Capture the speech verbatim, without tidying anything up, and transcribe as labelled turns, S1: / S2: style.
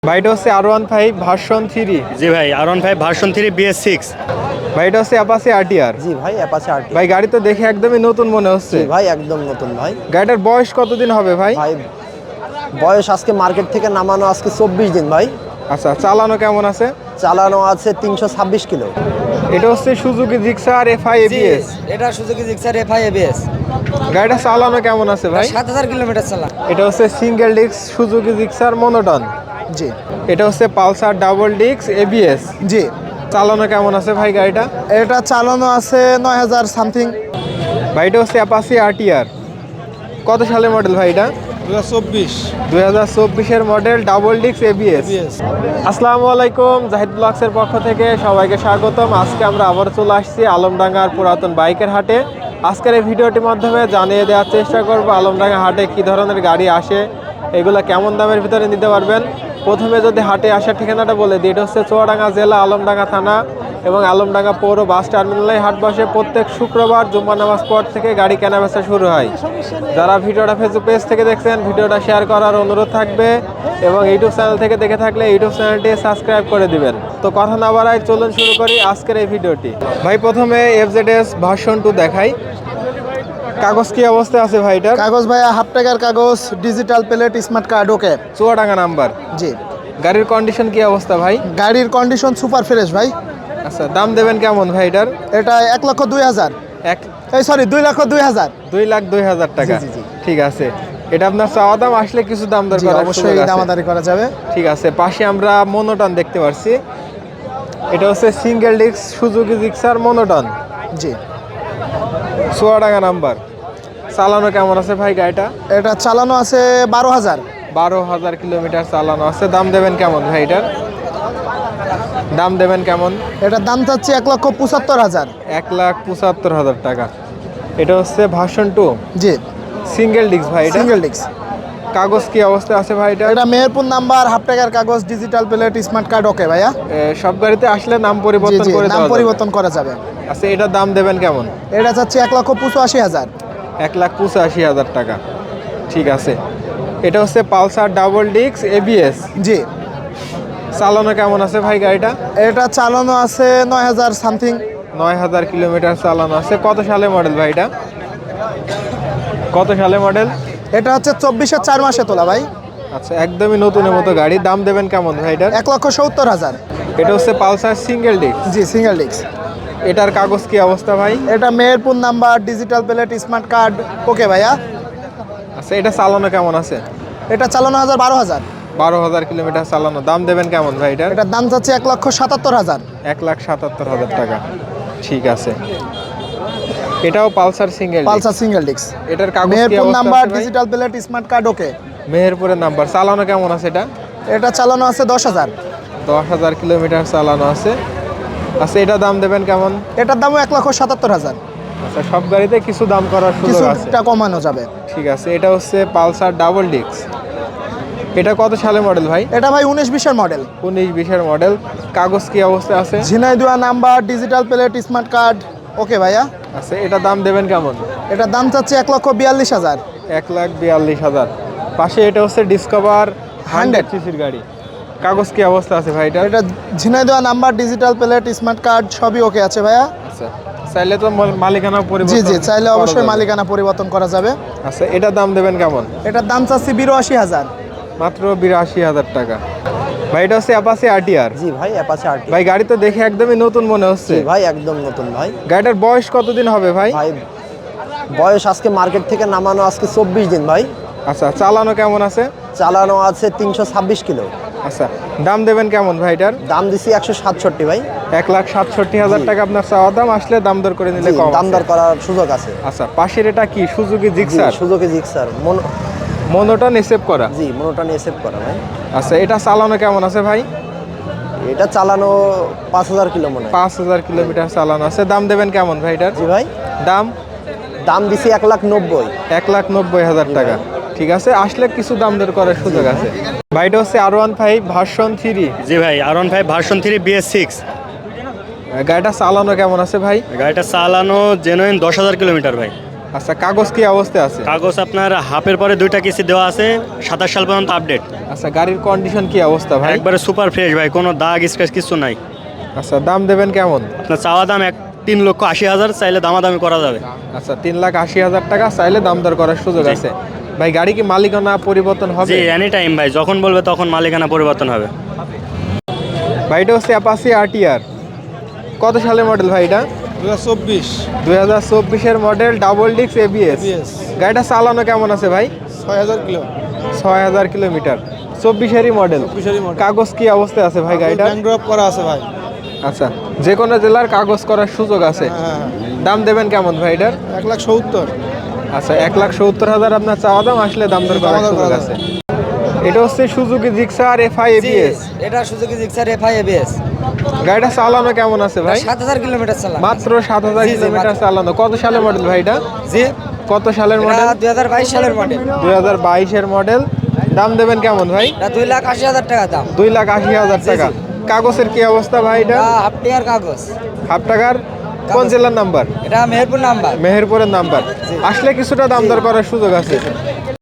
S1: ভাই এটা হচ্ছে R one five version three.
S2: জি ভাই, R one five version three BS six.
S1: ভাই এটা হচ্ছে অ্যাপাচি আরটিআর।
S3: জি ভাই, অ্যাপাচি আরটি।
S1: ভাই গাড়ি তো দেখে একদমই নতুন মনে হচ্ছে।
S3: জি ভাই, একদম নতুন ভাই।
S1: গাড়িটার বয়স কতদিন হবে ভাই?
S3: ভাই বয়স আজকে মার্কেট থেকে নামানো আজকে চব্বিশ দিন ভাই।
S1: আচ্ছা, চালানো কেমন আছে?
S3: চালানো আছে তিনশো ছাব্বিশ কিলো।
S1: এটা হচ্ছে সুজুকি জিক্সার এফআই এবিএস।
S4: এটা সুজুকি জিক্সার এফআই এবিএস।
S1: গাড়িটা চালানো কেমন আছে ভাই?
S4: সাত হাজার কিলোমিটার চালা।
S1: এটা হচ্ছে single disc Suzuki Gixxer Monotone.
S3: জি
S1: এটা হচ্ছে পালসার ডাবল ডিস্ক এবিএস।
S3: জি
S1: চালানো কেমন আছে ভাই গাড়িটা?
S3: এটা চালানো আছে নয় হাজার সামথিং।
S1: ভাই এটা হচ্ছে অ্যাপাচি আরটিআর। কত সালের মডেল ভাই এটা?
S5: দু হাজার চব্বিশ।
S1: দুই হাজার চব্বিশের মডেল ডাবল ডিস্ক এবিএস। আসসালামু আলাইকুম, জাহিদ ব্লগসের পক্ষ থেকে সবাইকে স্বাগতম। আজকে আমরা আবার চলে আসছি আলমডাঙ্গার পুরাতন বাইকের হাটে। আজকের এই ভিডিওটির মাধ্যমে জানিয়ে দেওয়ার চেষ্টা করব আলমডাঙ্গা হাটে কি ধরনের গাড়ি আসে, এগুলো কেমন দামের ভিতরে নিতে পারবেন। প্রথমে যদি হাটে আসার ঠিকানাটা বলে দিই, এটা হচ্ছে চুয়াডাঙ্গা জেলা আলমডাঙ্গা থানা এবং আলমডাঙ্গা পৌর বাস টার্মিনালে হাট বসে প্রত্যেক শুক্রবার জুম্মা নামাজ পর থেকে গাড়ি কেনাবেচা শুরু হয়। যারা ভিডিওটা ফেসবুক পেজ থেকে দেখছেন ভিডিওটা শেয়ার করার অনুরোধ থাকবে এবং ইউটিউব চ্যানেল থেকে দেখে থাকলে ইউটিউব চ্যানেলটি সাবস্ক্রাইব করে দিবেন। তো কথা না বাড়াই চলুন শুরু করি আজকের এই ভিডিওটি। ভাই প্রথমে এফজেডএস ভার্সন টু দেখাই। কাগজ কি অবস্থায় আছে ভাই এটার?
S3: কাগজ ভাইয়া হাফ টাকার কাগজ, digital plate, smart card, okay.
S1: Chuadanga number.
S3: জি।
S1: গাড়ির কন্ডিশন কি অবস্থা ভাই?
S3: গাড়ির কন্ডিশন সুপার ফ্রেশ ভাই।
S1: আচ্ছা, দাম দেবেন কেমন ভাই এটার?
S3: এটা এক লক্ষ দুই হাজার
S1: এক
S3: এই সরি দুই লক্ষ দুই হাজার
S1: দুই লাখ দুই হাজার টাকা।
S3: জি, জি, জি।
S1: ঠিক আছে, এটা আপনার চাওয়া দাম, আসলে কিছু দাম দর
S3: জি,
S1: করার
S3: অবশ্যই
S1: সুযোগ আছে।
S3: দামাদারি করা যাবে।
S1: ঠিক আছে, পাশে আমরা মনোটন দেখতে পাচ্ছি। এটা হচ্ছে single disc Suzuki Gixxer Monotone,
S3: জি।
S1: চুয়াডাঙ্গা নাম্বার। চালানো কেমন আছে ভাই গাড়িটা?
S3: এটা চালানো আছে বারো হাজার।
S1: বারো হাজার কিলোমিটার চালানো আছে। দাম দেবেন কেমন ভাই এটার? দাম দেবেন কেমন?
S3: এটার দাম চাচ্ছি এক লক্ষ পঁচাত্তর হাজার।
S1: এক লাখ পঁচাত্তর হাজার টাকা। এটা হচ্ছে ভার্সন টু,
S3: জি।
S1: সিঙ্গেল ডিস্ক ভাই এটা।
S3: Single disc.
S1: কাগজ কি অবস্থা আছে ভাই এটা?
S3: এটা মেহেরপুর নাম্বার, হাফ টাকার কাগজ, digital plate, smart card, okay ভাইয়া।
S1: এ, সব গাড়িতে আসলে নাম
S3: জি
S1: পরিবর্তন
S3: জি
S1: করে
S3: নাম
S1: দেওয়া যাবে।
S3: পরিবর্তন করা যাবে।
S1: আচ্ছা, এটার দাম দেবেন কেমন?
S3: এটা চাচ্ছি এক লক্ষ পঁচাশি হাজার।
S1: এক লাখ পঁচাশি হাজার টাকা। ঠিক আছে, এটা হচ্ছে পালসার ডাবল ডিস্ক এবিএস।
S3: জি।
S1: চালানো কেমন আছে ভাই গাড়িটা?
S3: এটা চালানো আছে নয় হাজার সামথিং।
S1: নয় হাজার কিলোমিটার চালানো আছে। কত সালে মডেল ভাই এটা? কত সালে মডেল?
S3: এটা হচ্ছে চব্বিশের চার মাসে তোলা ভাই।
S1: আচ্ছা, একদমই নতুনের মতো গাড়ি। দাম দেবেন কেমন ভাই এটার?
S3: এক লক্ষ সত্তর হাজার।
S1: এটা হচ্ছে পালসার সিঙ্গেল ডিস্ক।
S3: জি, সিঙ্গেল ডিস্ক।
S1: এটার কাগজ কি অবস্থা ভাই?
S3: এটা Meherpur number, digital plate, smart card, okay ভাইয়া।
S1: আচ্ছা, এটা চালানো কেমন আছে?
S3: এটা চালানো হাজার বারো হাজার।
S1: বারো হাজার কিলোমিটার চালানো। দাম দেবেন কেমন ভাই এটার?
S3: এটার দাম চাচ্ছে এক লক্ষ সাতাত্তর হাজার।
S1: এক লাখ সাতাত্তর হাজার টাকা। ঠিক আছে, এটাও Pulsar single.
S3: Pulsar single disc.
S1: এটার কাগজ কি
S3: মেহেরপুর
S1: অবস্থা
S3: নাম্বার,
S1: আছে ভাই?
S3: Digital plate, smart card, okay.
S1: মেহেরপুরের নাম্বার। চালানো কেমন আছে এটা?
S3: এটা চালানো আছে দশ হাজার।
S1: দশ হাজার কিলোমিটার চালানো আছে। আচ্ছা, এটা দাম দেবেন কেমন?
S3: এটার দামও এক লক্ষ সাতাত্তর হাজার।
S1: আচ্ছা, সব গাড়িতে কিছু দাম করার সুযোগ আছে।
S3: কিছুটা কমানো যাবে।
S1: ঠিক আছে, এটা হচ্ছে পালসার ডাবল ডিস্ক। এটা কত সালে মডেল ভাই?
S3: এটা ভাই উনিশ বিশের মডেল।
S1: উনিশ বিশের মডেল। কাগজ কি অবস্থা আছে?
S3: Jhenaidah number, digital plate, smart card, okay ভাইয়া।
S1: আচ্ছা, এটা দাম দেবেন কেমন?
S3: এটার দাম চাচ্ছে এক লক্ষ বিয়াল্লিশ হাজার।
S1: এক লাখ বিয়াল্লিশ হাজার। পাশে এটা হচ্ছে ডিসকভার হান্ড্রেড সিসির গাড়ি। কাগজ কি অবস্থা আছে ভাই এটা?
S3: এটা Jhenaidah number, digital plate, smart card, সবই ওকে আছে ভাইয়া।
S1: আচ্ছা, চাইলে তো মাল- মালিকানা
S3: জি
S1: পরিবর্তন
S3: জি চাইলে
S1: করা
S3: অবশ্যই
S1: যাবে।
S3: মালিকানা পরিবর্তন করা যাবে।
S1: আচ্ছা, এটার দাম দেবেন কেমন?
S3: এটার দাম চাচ্ছি বিরাশি হাজার।
S1: মাত্র বিরাশি হাজার টাকা। ভাই এটা হচ্ছে অ্যাপাচি আরটিআর।
S3: জি ভাই, অ্যাপাচি আরটি।
S1: ভাই গাড়ি তো দেখে একদমই নতুন মনে হচ্ছে।
S3: জি ভাই, একদম নতুন ভাই।
S1: গাড়িটার বয়স কতদিন হবে ভাই?
S3: ভাই বয়স আজকে মার্কেট থেকে নামানো আজকে চব্বিশ দিন ভাই।
S1: আচ্ছা, চালানো কেমন আছে?
S3: চালানো আছে তিনশো ছাব্বিশ কিলো।
S1: আচ্ছা, দাম দেবেন কেমন ভাই এটার?
S3: দাম দিছি একশো সাতষট্টি ভাই।
S1: এক লাখ সাতষট্টি হাজার টাকা আপনার চাওয়া দাম, আসলে দাম দর করে নিলে
S3: জি,
S1: কম
S3: দাম
S1: আছে।
S3: দর করার সুযোগ আছে।
S1: আচ্ছা, পাশের এটা কি সুজুকি
S3: জি,
S1: জিক্সার?
S3: সুযোগে জিক্সার মন
S1: মনোটন এসেভ করা।
S3: জি, মনোটা নিয়ে সেভ করা ভাই।
S1: আচ্ছা, এটা চালানো কেমন আছে ভাই?
S3: এটা চালানো পাঁচ হাজার কিলো মনে হয়।
S1: পাঁচ হাজার কিলোমিটার চালানো আছে। দাম দেবেন কেমন ভাই এটার?
S3: জি ভাই,
S1: দাম
S3: দাম দিছি এক লাখ নব্বই।
S1: এক লাখ নব্বই হাজার টাকা। ঠিক আছে, আসলে কিছু দাম দর করার সুযোগ আছে। ভাই এটা হচ্ছে R one five version three.
S2: জি ভাই, R one five version three BS six.
S1: গাড়িটা চালানো কেমন আছে ভাই?
S2: গাড়িটা চালানো জেনুইন দশ হাজার কিলোমিটার ভাই।
S1: আচ্ছা, কাগজ কি অবস্থায় আছে?
S2: কাগজ আপনার হাফের পরে দুইটা কিস্তি দেওয়া আছে, সাতাশ সাল পর্যন্ত আপডেট।
S1: আচ্ছা, গাড়ির কন্ডিশন কি অবস্থা ভাই?
S2: একবারে সুপার ফ্রেশ ভাই, কোনো দাগ স্ক্র্যাচ কিছু নাই।
S1: আচ্ছা, দাম দেবেন কেমন?
S2: আপনার চাওয়া দাম এক তিন লক্ষ আশি হাজার, চাইলে দামাদামি করা যাবে।
S1: আচ্ছা, তিন লাখ আশি হাজার টাকা চাইলে দাম দর করার সুযোগ
S2: জি।
S1: আছে। ভাই গাড়ি কি মালিকানা পরিবর্তন হবে?
S2: জি, এনি টাইম ভাই, যখন বলবে তখন মালিকানা পরিবর্তন হবে।
S1: ভাই এটা হচ্ছে অ্যাপাসি আরটিআর। কত সালের মডেল ভাই এটা?
S5: দু হাজার চব্বিশ
S1: দুই হাজার চব্বিশের model, double disc ABS.
S5: ABS.
S1: গাড়িটা চালানো কেমন আছে ভাই?
S5: ছয় হাজার কিলো
S1: ছয় হাজার কিলোমিটার। চব্বিশেরই মডেল।
S5: চব্বিশেরই model।
S1: কাগজ কি অবস্থায় আছে ভাই গাড়িটা?
S5: ব্যাংক ড্রপ করা আছে ভাই।
S1: আচ্ছা, যে কোনো জেলার কাগজ করার সুযোগ আছে।
S5: হ্যাঁ,
S1: দাম দেবেন কেমন ভাই এটার?
S5: এক লাখ সত্তর।
S1: আচ্ছা, এক লাখ সত্তর হাজার আপনার চাওয়া দাম, আসলে দাম দর করার
S5: দাম দর
S1: সুযোগ
S5: করা
S1: আছে। এটা হচ্ছে সুজুকি জিক্সার এফআই এবিএস।
S4: এটা সুজুকি জিক্সার এফআই এবিএস।
S1: গাড়িটা চালানো কেমন আছে ভাই?
S4: সাত হাজার কিলোমিটার চালান।
S1: মাত্র সাত হাজার
S4: জি, জি,
S1: কিলোমিটার
S4: মাত্র।
S1: চালানো। কত সালের মডেল ভাই এটা?
S4: জি,
S1: কত সালের
S4: এটা
S1: মডেল?
S4: দুই হাজার বাইশ সালের মডেল।
S1: দুই হাজার বাইশের মডেল। দাম দেবেন কেমন ভাই?
S4: এটা দুই লাখ আশি হাজার টাকা দাম।
S1: দুই লাখ আশি হাজার
S4: জি,
S1: টাকা।
S4: জি।
S1: কাগজের কি অবস্থা ভাই এটা?
S4: এটা হাফ টিয়ার কাগজ।
S1: হাফ টাকার। কোন জেলার নাম্বার?
S4: এটা মেহেরপুর নাম্বার।
S1: মেহেরপুরের নাম্বার।
S4: জি।
S1: আসলে কিছুটা দাম দর করার সুযোগ আছে।